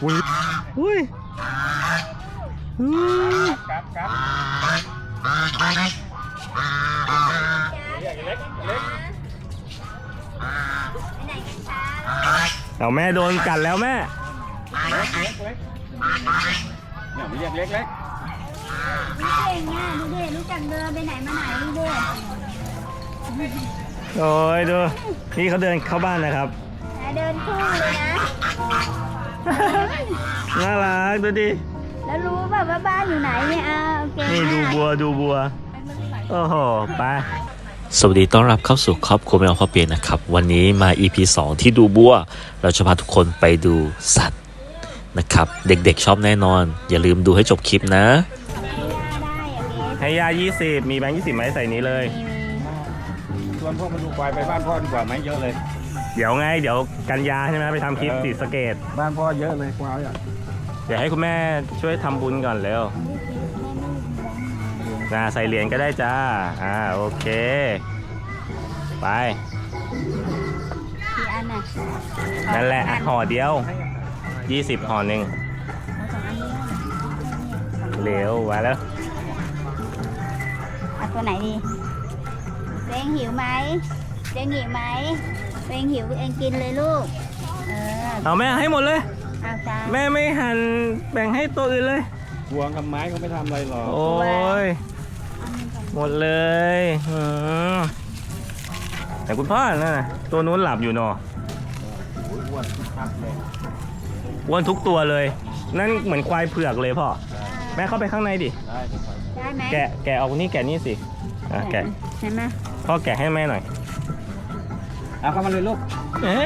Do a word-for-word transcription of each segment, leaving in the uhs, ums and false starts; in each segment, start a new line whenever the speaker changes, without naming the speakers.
อุ้ยอุ้ย
ครับครับเล็กเล็กเล็ก
ไปไหนกันคะ
เอาแม่โดนกัดแล้วแม่
เล็กเล็กเล็กเนี่ยเรียกเล็กเล็ก
วิเก่งอ่ะดูดิรู้จักเดินไปไหนมาไหนดูดิ
โอ้ยดูนี่เขาเดินเข้าบ้านนะครับ
เดินคู่เลยนะ
น่ารักดูดิ
แล้วรู้แบบว่าบ้านอยู่ไหนเนี่ยอ่าโอเค
นี่ดูบัวดูบัวโอ้โหไป
สวัสดีต้อนรับเข้าสู่ครอบครัวแมวพ่อเปียนะครับวันนี้มา อี พี สองที่ดูบัวเราจะพาทุกคนไปดูสัตว์นะครับเด็กๆชอบแน่นอนอย่าลืมดูให้จบคลิปนะ
ให้ยายี่สิบมีแบงค์ยี่สิบไหมใส่นี้เลย
ชวนพวกมันดูควายไปบ้านพ่อดีกว่าไหมเยอะเลย
เดี๋ยวไงเดี๋ยวกันยาใช่ไหมไปทำคลิปสีสเกต
บ้านพ่อเยอะเลยควายอ่ะ
เดี๋ยวให้คุณแม่ช่วยทำบุญก่อนเร็วนะใส่เหรียญก็ได้จ้าอ่าโอเคไป
กี่อันน่ะ
นั่นแหละห่อเดียวยี่สิบห่อหนึ่งเร็วมาแล้ว
เอาตัวไหนดีเองหิวไหมเองหิวไหมเองหิวเองกินเลยลูกเออ
เอาแม่ให้หมดเลย
เอาจ้า
แม่ไม่หั่นแบ่งให้ตัวอื่นเลย
พวงกับไม้เขาไม่ทำอะไรหรอก
โอ้ยหมดเลยแต่คุณพ่อน่ะตัวนู้นหลับอยู่เนาะอ้วนทุกตัวเลยนั่นเหมือนควายเผือกเลยพ่อแม่เข้าไปข้างในดิ
ได้ไหม
แกะแกะเอานี่แกะนี่สิอ่ะแกะ
ใช่ไหม
พ่อแกะให้แม่หน่อย
เอาเข้ามาเลยลูก
เอ๊ะ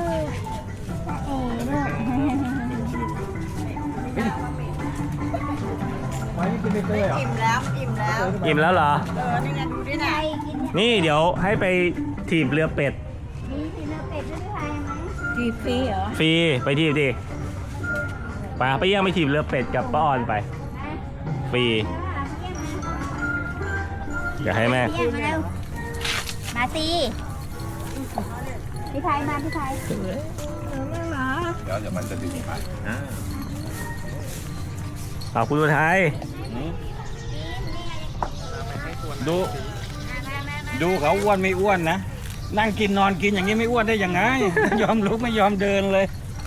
อิ่มแล้วอิ่มแล้ว
อิ่มแล้วเหรอ
เออนี่ไงดูดิไหน
นี่เดี๋ยวให้ไปถีบเรือเป็ด
มีถีบเรือเป็ดด้วยใครไหมถีบฟรีเหรอ
ฟรีไปถีบดิไปไปย่างไปถีบเรือเป็ดกับป้าออนไปฟรีอยากให้แม่
มาสิพี่ไทยมาพี่ไทย
เดี๋ยวเดี๋ยวมันจะดึงไป
ขอบคุณไทย
ดูดูเขาอ้วนไม่อ้วนนะนั่งกินนอนกินอย่างนี้ไม่อ้วนได้ยังไงยอมลุกไม่ยอมเดินเลย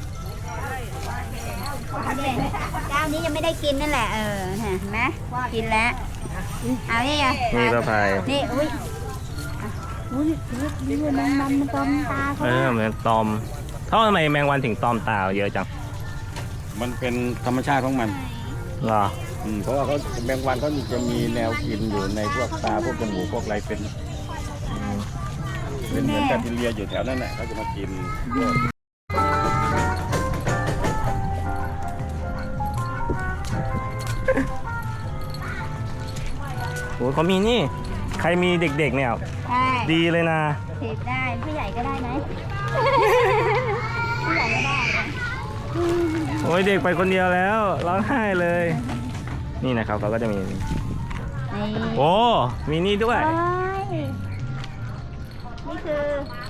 เจ้านี้ยังไม่ได้กินนั่นแหละเออเห็นไหมกินแล้วเอาเนี่ย
นี่ป้าภัย
นี่อุ้ยอุ้ยนี่แมงวันมันตอมตาเขา
เออเหมือนตอมเท่าทำไมแมงวันถึงตอมตาเยอะจัง
มันเป็นธรรมชาติของมัน
เหรอ
เพราะว่าเขาแมงวันเขาจะมีแนวกินอยู่ในพวกตาพวกจมูกพวกอะไรเป็นเป็นเหมือนแบคทีเรียอยู่แถวนั้นแหละเขาจะมากิน
โอ้เขามีนี่ใครมีเด็กๆเนี่ยดีเลยนะ
ถีบได้ผู้ใหญ่ก็ได้ไหมผู้ใหญ่ก็ได้
โอ้ยเด็กไปคนเดียวแล้วร้องไห้เลยนี่นะครับเขาก็จะมีโอ้มีนี่ด้วย
นี่คือ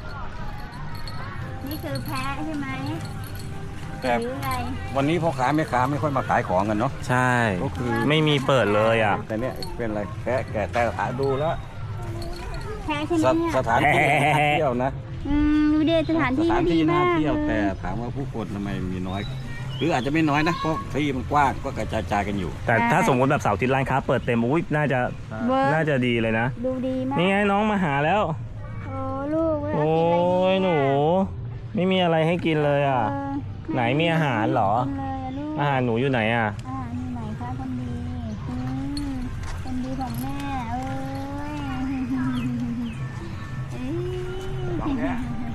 นี่คือแพะใช่ไหม
แต่วันนี้พ่อค้าแม่ค้าไม่ค่อยมาขายของกันเนาะ
ใช่ก็คือไม่มีเปิดเลยอ่ะ
แต่เนี้ยเป็นอะไรแพะแกแต่หาดูแล้ว
แพะใช่ไหมเนี่ย
สถานที่น่าเที่ยวนะ
อืมดูเดสถานที่ดีมาก
เที่ยวแต่ถามว่าผู้คนทำไมมีน้อยหรืออาจจะไม่น้อยนะเพราะที่มันกว้างก็กระจายกันอยู่
แต่ถ้าสมมติแบบเสาร์อาทิตย์ร้านค้าเปิดเต็มอุ้ยน่าจะน่าจะดีเลยนะ
ดูดีมาก
นี่ไงน้องมาหาแล้ว
โอ้ลูก
โอ้ยหนูไม่มีอะไรให้กินเลยอ่ะไหนมีอาหารเหรออาหารหนูอยู่ไหนอ่ะ
อาหารอยู่ไหนคะคนดีคนดีของแม่เอ้ยคนดี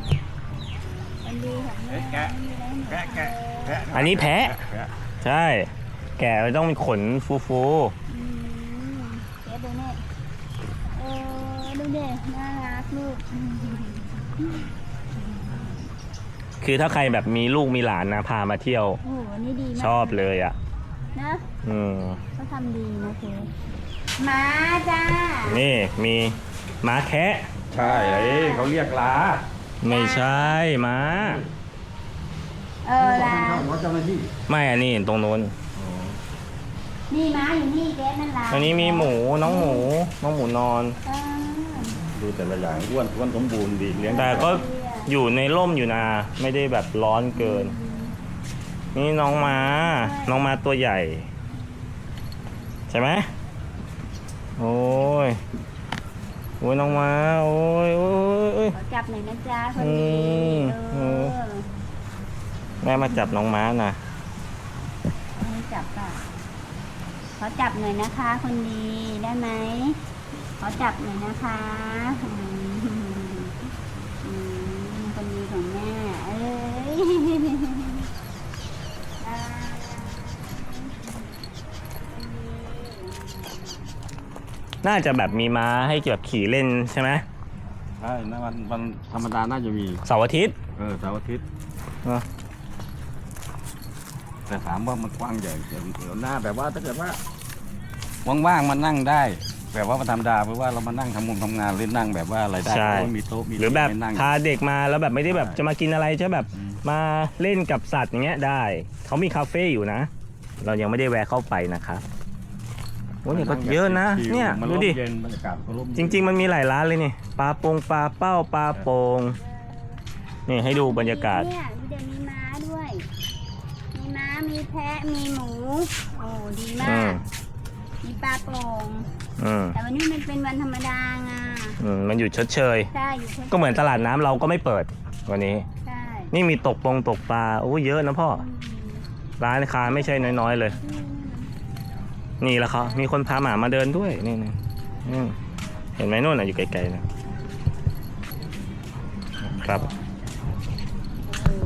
ของแม่
แกะแกะแกะ
อันนี้แพะใช่แกะต้องมีขนฟูฟู
แกะดูเนี่ยเออดูเด็กน่ารักลูก
คือถ้าใครแบบมีลูกมีหลานนะพามาเที่ยว
โอ้โหนี่ดีมาก
ชอบเลยอ่ะ
นะ
อืม
เขาทำดีนะเธอม้าจ้า
นี่มีม้าแคะ
ใช่เลยเขาเรียกลา
ไม่ใช่ม้า
เอเออลา
หัวเจ้าหน้าที่
ไม่อันนี้ตรงนู้น
นี่ม้าอยู่นี่เกสนั่นลา
อันนี้มีหมูน้องหมูน้องหมูนอน
เออ
ดูแต่ละอย่างอ้วนอ้วนสมบูรณ์ดีเลี้ยง
แต่ก็อยู่ในร่มอยู่นะไม่ได้แบบร้อนเกิน นี่น้องม้าน้องม้าตัวใหญ่ ใช่ไหมโอ้ยโอ้ยน้องม้าโอ้ยโอ้ยโอ้ย
ขอจับหน่อยนะจ๊ะคน
อื
ดี
ม
เออ
แม่มาจับน้องม้านะ
ให้จับป่ะขอจับหน่อยนะคะ คนดีได้ไหมขอจับหน่อยนะคะอืมอืมคนดีของแม่เอ้ยอ่า
น่าจะแบบมีม้าให้แบบขี่เล่นใช่ไหม
ใช่นะวันวันธรรมดาน่าจะมี
เสาร์อาทิตย์
เออเสาร์อาทิตย์
เออ
แต่ถามว่ามันกว้างใหญ่เดี๋ยวหน้าแบบว่าถ้าเกิดว่าว่างๆมันนั่งได้แบบว่าวันธรรมดาเพราะว่าเรามานั่งทำงานทำงานหรือนั่งแบบว่าอะไรได้
ใช่
เพราะว่ามีโต๊ะมี
หรือแบบ
ให้นั่ง
พาเด็กมาแล้วแบบไม่ได้แบบ
ใช่
จะมากินอะไรจะแบบ
อืม
มาเล่นกับสัตว์อย่างเงี้ยได้เขามีคาเฟ่อยู่นะ เรายังไม่ได้แวะเข้าไปนะครับโอ้ยเนี่ยก็เยอะนะ
ชิวๆ
เนี่ย
มัน
ดู
ร่ม
ดิ
เย็นบรรยากาศก็ร่ม
จริง ๆ มันมีหลายร้านเลยนี่ปลาโปงปลาเป้าปลาโปงนี่ให้ดูบรรยากาศ
เนี่ยดูเดี๋ยวมีม้าด้วย มีม้ามีแพะมีหมูโอ้ดีมา
อืม
กมีปลาโป่ง
อืม
แต่วันนี้มันเป็นวันธรรมดาไง
อืมมันอยู่ชดเชย
ใช่อยู่
ก็เหมือนตลาดน้ำเราก็ไม่เปิดวันนี้
ใช่
นี่มีตกปงตกปลาโอ้เยอะนะพ่อ ร้านค้าไม่ใช่น้อยๆเลย นี่แหละเขามีคนพาหมามาเดินด้วยนี่นี่นี่เห็นไหมนู่นน่ะอยู่ไกลๆนะครับ
โอ้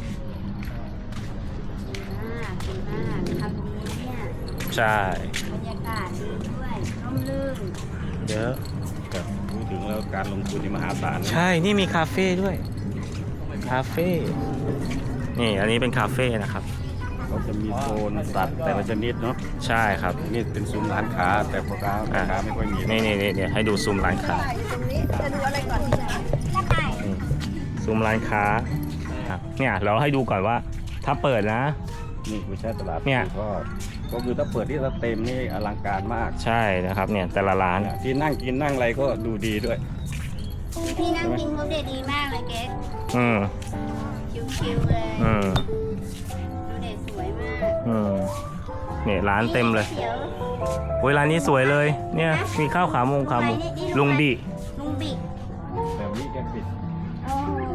ดีมากดีมากทำดีเนี่ย
ใช่
บรรยากาศดีด้วยร่มรื่น
เยอะ
แต่พูดถึงแล้วการลงทุนนี่มหาศาลนะ
ใช่นี่มีคาเฟ่ด้วยคาเฟ่นี่อันนี้เป็นคาเฟ่นะครับ
เขาจะมีโซนสัตว์แต่ละชนิดเนาะ
ใช่ครับ
นี่เป็นซุ้มร้านค้าแต่พ่อค้าแม่ค้าไม่ค่อยมี
นี่นี่นี่นี่ให้ดูซูมร้านค้า
จะดูอะไรก่อนกระต่าย
นี่ซูมร้านค้าครับเนี่ยเราให้ดูก่อนว่าถ้าเปิดนะ
นี่คือใช่ตลาด
เนี่ย
ก็ก็คือถ้าเปิดที่สเต็มนี่อลังการมาก
ใช่นะครับเนี่ยแต่ละร้าน
ที่นั่งกินนั่งอะไรก็ดูดีด้วย
ที่นั่งกินเขาเด็ดดีมากเลยเกส
อืม
ชิวๆเลย
อืม
ดูเด็ดสวยมาก
อืมเนี่ยร้านเต็มเลย
เขียว
โอ้ยร้านนี้สวยเลย เนี่ยมีข้าวขาหมูขาหมูลุงบิ
ลุงบิก
แบบนี้แกปิด
โอ้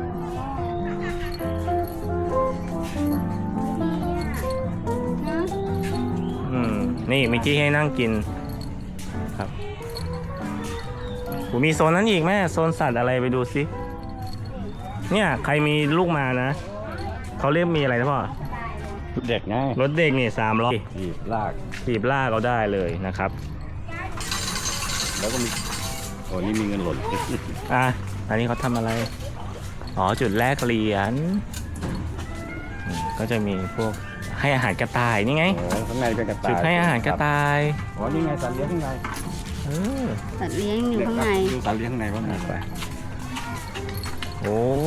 ดีอ่ะเนอะ
อืมนี่มีที่ให้นั่งกินครับโหมีโซนนั้นอีกแม่โซนสัตว์อะไรไปดูสิเนี่ยใครมีลูกมานะเขาเรียกมีอะไรนะพ่อ
เด็กไง
รถเด็กนี่สามล้อ
ถีบลาก
ถีบลากเอาได้เลยนะครับ
แล้วก็มีโอ้นี่มีเงินหล่น
อ่ะอันนี้เขาทำอะไรอ๋อจุดแรกเหรียญอืมก็จะมีพวกให้อาหารกระต่ายนี่ไง
โอ้ข้างในเป็นกระต่าย
จุดให้อาหารกระต่าย
อ๋อนี่ไงสัตว์เลี้ยงข้างใน
เออ
สัตว์เลี้ยงอยู่ข้างใน
ดูสัตว์เลี้ยงข้างในว่าไง
ไปโอ้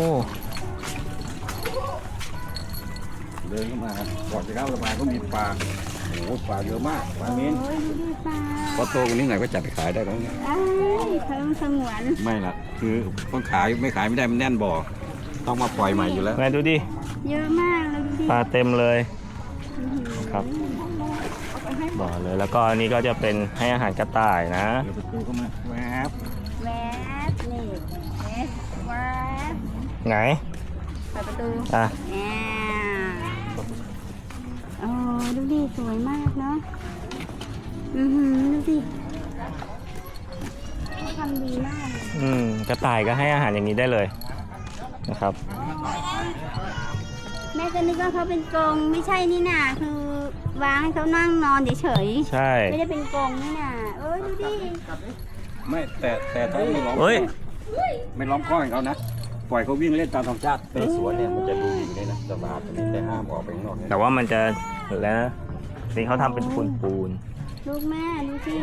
เดินเข้ามาก่อนจะเข้าสะพานก็มีปลาโอ้โหปลาเยอะมากปลาเน้น
โอ้ยดูดิปลา
พอโตกว่านี้หน่อยก็จับไปขายได้แล้วเนี่ย
เอ้ยเขาต้องสงวน
ไม่ละคือต้องขายไม่ขายไม่ได้มันแน่นบ่อต้องมาปล่อยใหม่อยู่แล้ว
แม่ดูดิ
เยอะมากเลยดูดิ
ปลาเต็มเลยครับบอกเลยแล้วก็อันนี้ก็จะเป็นให้อาหารกระต่ายนะ
เดี๋ยวประตูเข้ามาแวบ
แวบนี่เอ๊ะแวบ
ไหน
เปิดประตู
อ่ะ
แอ่โอ้ดูดิสวยมากเนาะอือหือดูดิเขาทำดีมากเลย
อืมกระต่ายก็ให้อาหารอย่างนี้ได้เลยนะครับ
แม่ก็นึกว่าเขาเป็นกรงไม่ใช่นี่น่ะคือวางให้เขานั่งนอนเฉย
ใช่
ๆไม่ได้เป็นกรงนี่น่ะเอ้ยดูดิ
ไม่แต่แต่ต้องไม่ล้อม
เฮ้ย
ไม่ล้อมข้อของเขานะปล่อยเขาวิ่งเล่นตามธรรมชาติในสวนเนี่ยมันจะดูดีเลยนะสบายแต่ห้ามออกไปข้างนอกเนี่ย
แต่ว่ามันจะแล้วนะนี่เขาทำเป็นปูนปูน
ลูกแม่ดูสิ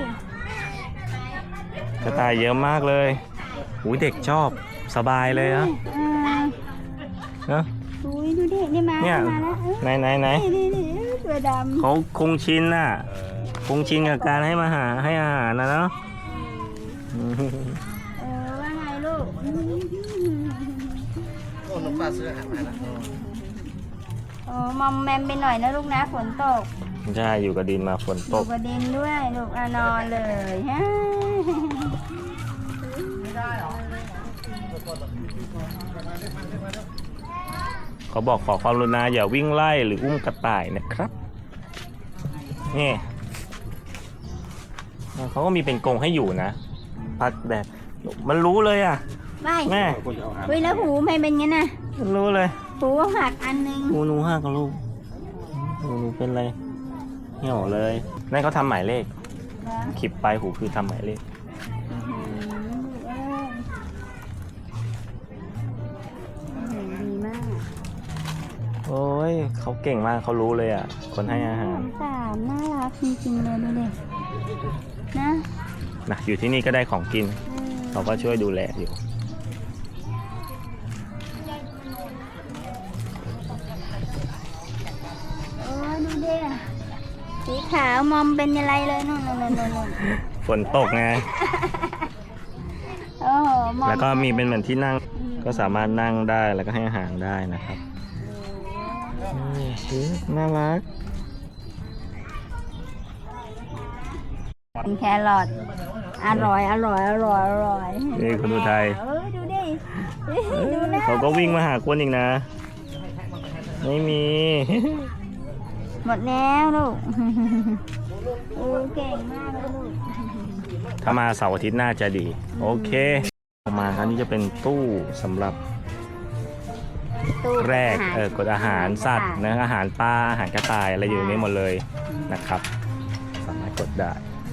ๆกระต่ายเยอะมากเลยหูยเด็กชอบสบายเลยนะ
เออ
เนอะ
อุ้ยดูดินี่มา
เนี่ย
มาแล้วเอ้ย
ไหนไหนไหน
นี่นี่นี่ตัวดำ
เขาคงชินน่ะ คงชินกับการให้มาหาให้อาหารนะเนาะ
เออว่าไงลูก
โอ้น้องปลาซื้ออาหารมาแล้ว
โอ้มอมแมมไปหน่อยนะลูกนะฝนตก
ใช่อยู่กับดินมาฝน
อ
ต
ยู่
ก
กับดินด้วยลูกอะนอนเลยฮะ
เขาบอกขอความกรุณาอย่าวิ่งไล่หรืออุ้มกระต่ายนะครับนี่เขาก็มีเป็นกรงให้อยู่นะพัดแบบมันรู้เลยอ่ะ
ไม่
แม่
คนจะเอาอาหาร
เฮ้ยแล้วหูไม่เป็นงั้นน่ะ
มันรู้เลย
หูหักอันนึง
หนูหนูห้ากับลูกหนูหนูเป็นอะไรเหี่ยวเลยนั่นเขาทำหมายเลข
แล้ว
คลิปปลายหูคือทำหมายเลข
อื้อหือลูกเอ้ยอื้อหือดีมาก
โอ้ยเขาเก่งมากเขารู้เลยอ่ะ คนให้อาหาร
สงสารน่ารักจริงๆเลยดูดินะ
นะอยู่ที่นี่ก็ได้ของกิน
อืม
เขาก็ช่วยดูแลอยู่
โอ้ยดูดิสีขาวมอมเป็นอะไรเลยนู่นนู่นนู่นนู่น
ฝนตกไง
โอ้โหมอม
แล้วก็มีเป็นเหมือนที่นั่งก็สามารถนั่งได้แล้วก็ให้อาหารได้นะครับนี่คือน่ารัก
เป็นแครอทอร่อยอร่อยอร่อยอร่อย
นี่คุณอุทัย
เอ้ยดูดิดูนะ
เขาก็วิ่งมาหาคนอีกนะ ไม่มี
หมดแล้วลูกโอ้เก่งมากเลยลูก
ถ้ามาเสาร์อาทิตย์น่าจะดี โอเคออกมาครับนี่จะเป็นตู้สำหรับ
ตู้
แรก
าหา
เออกดอาหารสัตว์นะอาหารปลาอาหารกระต่ายอะไรอยู่ในนี้หมดเลยนะครับ สามารถกดได้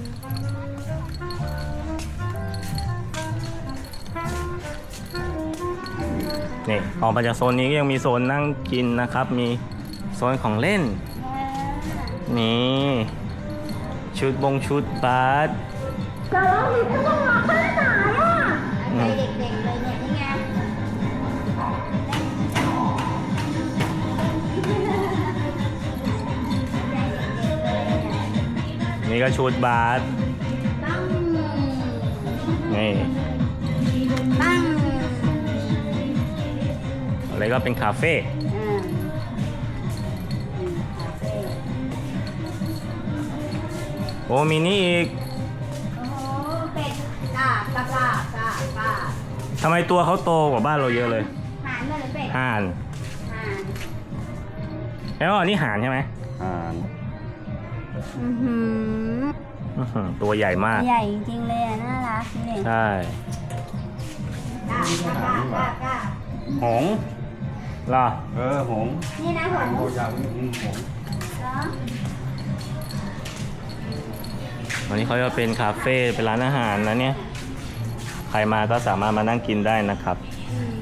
นี่ออกมาจากโซนนี้ก็ยังมีโซนนั่งกินนะครับ มีโซนของเล่น นี่ ชุดบงชุดบาส
จะร้องผิดก็ต้องร้องขนาดไหนอ่ะใจเด็กๆเลยเนี่ยนี่ไง
นี่ก็ชุดบาส
ตั้ง
นี่
ตั้ง
อะไรก็เป็นคาเฟ่
อ่าอืมคาเฟ่
โอ้มีนี่อีก
โอ้โหเป็ดกาบกาบกาบกาบกาบ
ทำไมตัวเขาโตกว่าบ้านเราเยอะเลย
หานเลยหรือเป็ด
ห่าน
หาน
แล้วอันนี้ห่านใช่ไหม
อาหาร
อือหือ
อื้อหือตัวใหญ่มาก
ใหญ่จริงๆเลยอ่ะน่ารักนี่
ใช่
กาบกาบกาบกาบกาบ
หงส์
เหรอ
เออหงส์
นี่นะผม
ตัวยาวนี่หงส์
เหรอ
วันนี้เขาจะเป็นคาเฟ่เป็นร้านอาหารนะเนี่ย ใครมาก็สามารถมานั่งกินได้นะครับ
อืม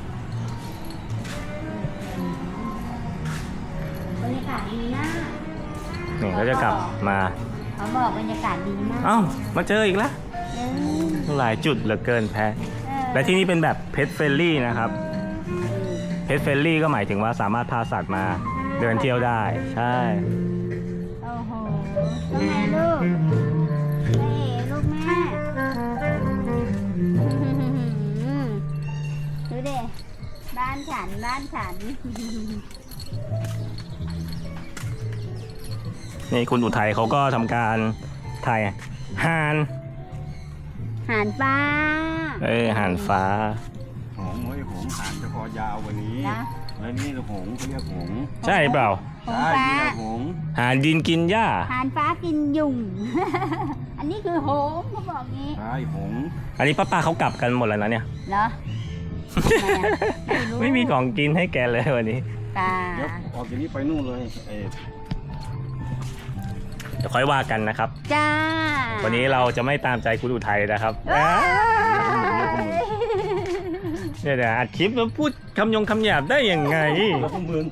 บรรยากาศดีมาก
นี่ก็จะกลับมา
เขาบอกบรรยากาศดีมาก
เอ้า มาเจออีกแล้ว
เออ
หลายจุดเหลือเกินแพ้
เออ
และที่นี่เป็นแบบเพ t เฟ r ลี่นะครับ เพ t เฟ r ลี่ก็หมายถึงว่าสามารถพาสัตว์มาเดินเที่ยวได้ ใช่
โอ้โหว่าไงลูกไม่เห็นลูกแม่ดูดิบ้านฉันบ้านฉัน
นี่คุณอุทัยเขาก็ทำการถ่ายห่าน
หานฟ้า
เอ้ยห่านฟ้า
หงส์เฮ้ยหงส์หางจะคอยาวกว่านี้
นะ
แล้วนี่หงส์เขาเรียกหงส์
ใช่เปล่า
หง
ใช่
ฟ้า
นี่แหละหงส์
ห่านดินกินหญ้า
หานฟ้ากินยุง อันนี้คือหงส์เขาบอกงี้
ใช่หงส์
อันนี้ป้าป้าเขากลับกันหมดแล้วนะเนี่ย
เหรอ ทำไมอะไม่รู้
ไม่มีของกินให้แกเลยวันนี้
ตา
เดี๋ยวออกจากนี้ไปนู่นเลยเออ
เดี๋ยวค่อยว่ากันนะครับ
จ้า
วันนี้เราจะไม่ตามใจคุณอุทัยนะครับ
ว้าย
เนี่ยเดี๋ยวอัดคลิปแล้วพูดคำยงคำหยาบได้ยังไง
แล้วพวกมึง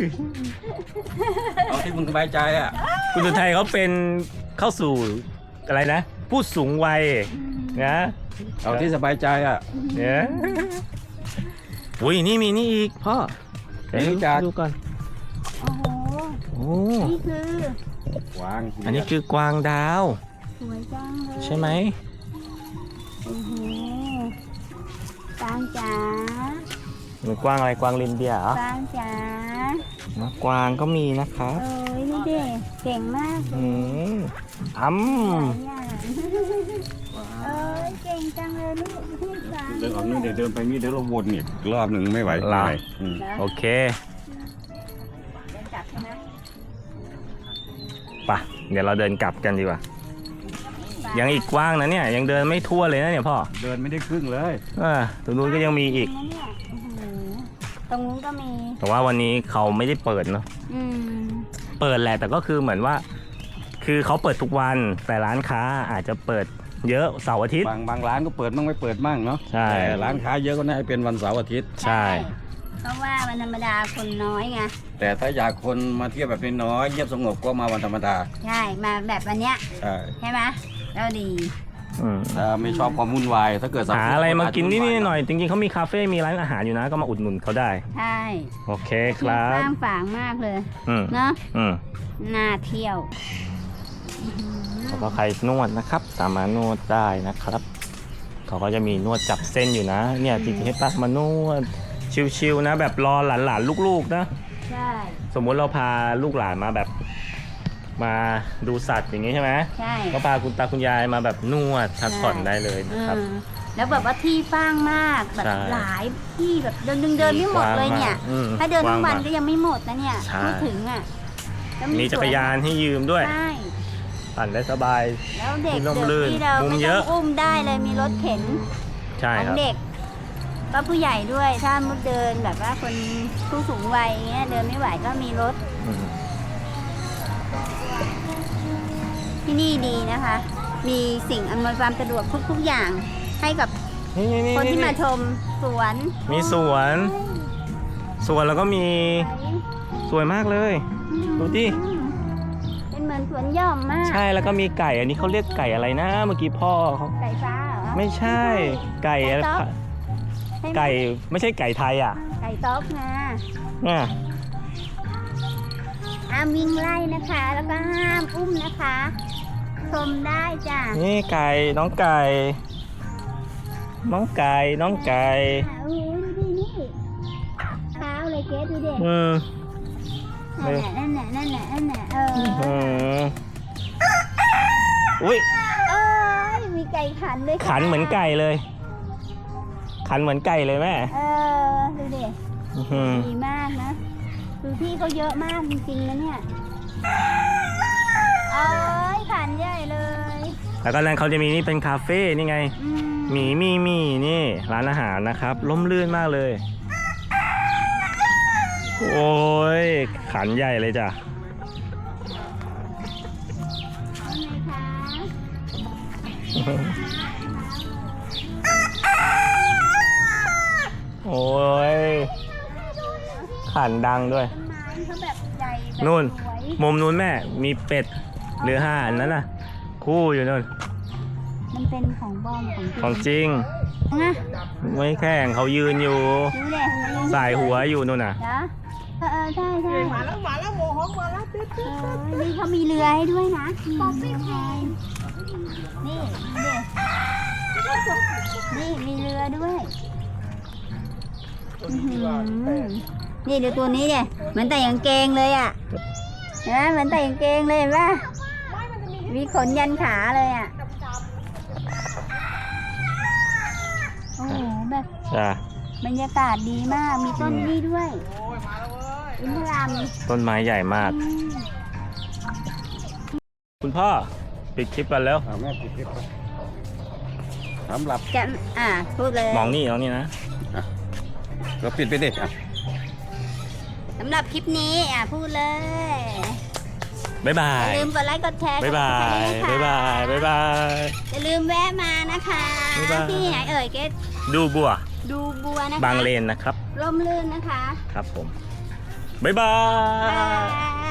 เอาที่มึงสบายใจอ่ะ
คุณอุทัยเขาเป็นเข้าสู่อะไรนะ ผู้สูงวัยนะ
เอาที่สบายใจอ่ะ
เนี่ยอุ้ยนี่มีนี่อีกพ่อเดี๋ยว
รู้จัก
ดูก่อน
โอ้โห
โอ้
นี่คือ
วาง
อันนี้คือกวางดาว
สวยจังเลย
ใช่ไหม
โอ้โหปางจ๋า
หรือกวางอะไรกวางลินเดียเหรอ
ปางจ๋า
นะกวางก็มีนะครับ
เอ้ยนี่เด็กเก่งมากเล
อื
ย
มอ้ำ
หลายอย่างเอ้ยเก่งจังเลยลูกพี่ปาง
เดินออกนี่เดี๋ยวเดินไปนี่เดี๋ยวเราวนอีกรอบหนึ่งไม่ไหวไม่ไหวอืม
โอเค
เดินจับใช่ไหม
ป่ะ เดี๋ยวเราเดินกลับกันดีกว่า ยังอีกกว้างนะเนี่ย ยังเดินไม่ทั่วเลยนะเนี่ยพ่อ
เดินไม่ได้ครึ่งเลย
เออตรงนู้นก็ยังมีอีก
นะเนี่ยโอ้โหตรงนู้นก็มี
แต่ว่าวันนี้เขาไม่ได้เปิดเนาะ
อืม
เปิดแหละแต่ก็คือเหมือนว่า คือเขาเปิดทุกวัน แต่ร้านค้าอาจจะเปิดเยอะเสาร์อาทิตย์
บางบางร้านก็เปิดมั่งไม่เปิดมั่งเนาะ
ใช่
แต่ร้านค้าเยอะก็น่าจะเป็นวันเสาร์อาทิตย์
ใช่
เพราะว่าวันธรรมดาคนน้อยไง
แต่ถ้าอยากคนมาเที่ยวแบบน้อยๆเงียบสงบก็มาวันธรรมดา
ใช่มาแบบวันเนี้ย
ใช่
ใช่ไหมแล้วดี
อืม
ถ้าไม่ชอบความวุ่นวายถ้าเกิดเส
หา
ร์
อะไรมา
จ
กิน
วุ่
นิด
วาย
ๆหน่อยๆจริงๆเขามีคาเฟ่มีร้านอาหารอยู่นะก็มาอุดหนุนเขาได้
ใช่
โอเคครับ
สร้างฝางมากเลย
อืม
เนาะ
อืม
น่าเที่ยว
แล้วก็ใครนวดนะครับ สามารถนวดได้นะครับเขาก็จะมีนวดจับเส้นอยู่นะ เนี่ยจริงๆให้ปักมานวดชิวๆนะ แบบรอหลานๆลูกๆนะ
ใช่
สมมุติเราพาลูกหลานมาแบบมาดูสัตว์อย่างนี้ใช่ไหม
ใช่
ก็พาคุณตาคุณยายมาแบบนวดพักผ่อนได้เลยนะครับ
อืมแล้วแบบว่าที่ฟ้างมากแบบ
ใช่
หลายที่แบบเดินเดินไม่หมดเลยเนี่ย
อืม
ถ้าเดินทั้งวัน
กว้างมาก
ก็ยังไม่หมดนะเนี่ย
ใช่
ไม่ถึงอ่ะแล้ว
มีจักรยานให้ยืมด้วย
ใช่
ปั่นได้สบาย
แล้วเด็ก
มีร่ม
เด็ก
รื่น
ที่เรา
มุม
ไม่
เย
ต้อ
อะ
งอุ้มได้เลยมีรถเข็น
ใช่
ขอ
ค
ง
รับ
เด็ก ก็ผู้ใหญ่ด้วยถ้ามุดเดินแบบว่าคนผู้สูงวัยเงี้ยเดินไม่ไหวก็มีรถ
อืม
ที่นี่ดีนะคะ มีสิ่งอำนวยความสะดวกทุกๆอย่าง ให้กับ
นี่นี่นี่
คนที่มาชมสวน
มีสวนสวนแล้วก็มีสวยมากเลย ดูดิ
เป็นเหมือนสวนหย่อมมาก
ใช่แล้วก็มีไก่อันนี้เขาเรียกไก่อะไรนะ เมื่อกี้พ่อเขา
ไก่ฟ้าเหรอ
ไม่ใช่ไก่อะไร
ไก่ต๊อก ใช่หม
ไก่ไม่ใช่ไก่ไทยอ่ะ
ไก่ต๊อกนะ
เนี่ย
ห้ามวิ่งไล่นะคะ แล้วก็ห้ามอุ้มนะคะชมได้จ้ะ
นี่ไก่น้องไก่น้องไก่น้องไก่
โอ้โหดูดินี่เท้าเลยเกสดูดิ
อืม
นั่นแหละนั่นแหละนั่นแหละนั่นแหละเออ
อืมอุ้ย
เอ้ยมีไก่ขันด้วยค่ะ
ขันเหมือนไก่เลย ขันเหมือนไก่เลยแม่
เออดูดิ
อื้อหือ
ดีมากนะคือที่เขาเยอะมากจริงๆนะเนี่ยเอ้ยขันใหญ่เลย
แล้วก็นั้นเขาจะมีนี่เป็นคาเฟ่นี่ไง
อืม
หมีมีมีนี่ร้านอาหารนะครับร่มรื่นมากเลย โอ้ยขันใหญ่เลยจ้ะ
ว่าไงคะ
โอ้ยขันดังด้วย
ต้นไม้เขาแบบใหญ่แบบ
นู่น
สวย
มุมนู้นแม่มีเป็ดหรือห่านนั่นน่ะ คู่อยู่นู่น
มันเป็นของบอมของ
ของจริง
นะ
ไม่แข่งเขายืนอยู่
ดูดิ
สายหัวอยู่นู่นน่ะ
เหรอเออเออใช่ใช่มาแล้วมาแล้วโมโหมาแล้วนี่เขามีเรือให้ด้วยนะป๊อปปี้แพนนี่ดูดินี่มีเรือด้วยอื้อหือนี่ดูตัวนี้เนี่ยเหมือนแต่กางเกงเลยอ่ะเห็นไหมเหมือนแต่กางเกงเลยเห็นปะมีขนยันขาเลยอ่ะโอ้โหแบบ
จ้ะ
บรรยากาศดีมาก มีต้นนี่ด้วยอินทราม
ต้นไม้ใหญ่มาก คุณพ่อปิดคลิปกันแล้ว
เอาแม่ปิดคลิปไปสำหรับ
จะอ่าพูดเลย
มองนี่มองนี่นะ
ก็ปิดไปดิอ่ะ
สำหรับคลิปนี้อ่าพูดเลย
บ๊ายบา
อย่าย ลืมกดไลค์กดแชร์
บ๊ายบาย
กด
บ๊าย
ติดตม
บาย บ๊ายบาย
อย่าลืมแวะมานะคะ
บ๊ายบาย
ที่ไหนเอ่ยเกต
ดูบัว
ดูบัวนะคะ
บางเลนนะครับ
ร่มรื่นนะคะ
ครับผม บ๊ายบา
บาย ย